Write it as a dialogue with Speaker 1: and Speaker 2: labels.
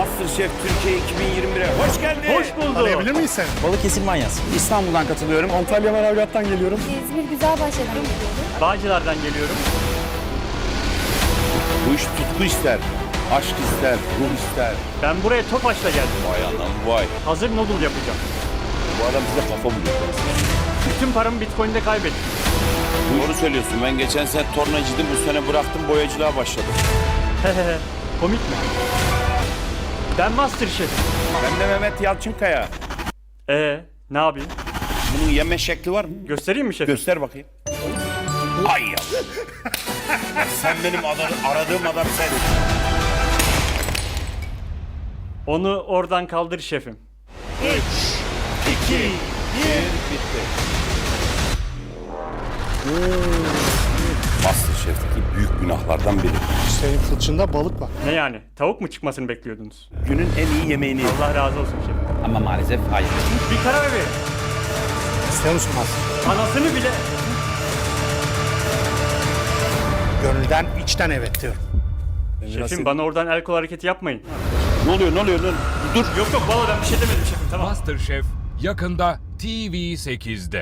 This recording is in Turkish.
Speaker 1: MasterChef Türkiye 2021'e hoş geldin.
Speaker 2: Hoş bulduk.
Speaker 3: Arayabilir miyiz seni?
Speaker 4: Balıkesir manyası.
Speaker 3: İstanbul'dan katılıyorum. Antalya Manavgat'tan geliyorum.
Speaker 5: İzmir Güzelbahçe'den geliyorum.
Speaker 2: Bağcılar'dan geliyorum.
Speaker 1: Bu iş tutku ister, aşk ister, ruh ister.
Speaker 2: Ben buraya Tofaş'la geldim.
Speaker 1: Vay anam vay.
Speaker 2: Hazır noodle yapacağım.
Speaker 1: Bu adam bize kafa buluyor.
Speaker 2: Bütün paramı Bitcoin'de kaybettim.
Speaker 1: Doğru söylüyorsun. Ben geçen sene tornacıydım. Bu sene bıraktım, boyacılığa başladım.
Speaker 2: Hehehe. Komik mi? Ben Masterchef.
Speaker 1: Ben de Mehmet Yalçınkaya.
Speaker 2: Ne yapayım?
Speaker 1: Bunun yeme şekli var mı?
Speaker 2: Göstereyim mi şefim?
Speaker 1: Göster bakayım. Ay ya. Sen benim aradığım adam sen.
Speaker 2: Onu oradan kaldır şefim.
Speaker 1: 2, 1, bitti. MasterChef'teki büyük günahlardan biri.
Speaker 3: Senin fıçında balık var.
Speaker 2: Ne yani? Tavuk mu çıkmasını bekliyordunuz?
Speaker 1: Günün en iyi yemeğini yedim.
Speaker 2: Allah razı olsun şefim.
Speaker 4: Ama maalesef hayır.
Speaker 2: Bir karar verin.
Speaker 3: İstiyor musun Master?
Speaker 2: Anasını bile...
Speaker 3: Gönülden, içten evet diyorum.
Speaker 2: Şefim bana oradan el kol hareketi yapmayın.
Speaker 1: Ne oluyor?
Speaker 2: Dur. Yok valla ben bir şey demedim şefim, tamam.
Speaker 6: MasterChef yakında TV8'de.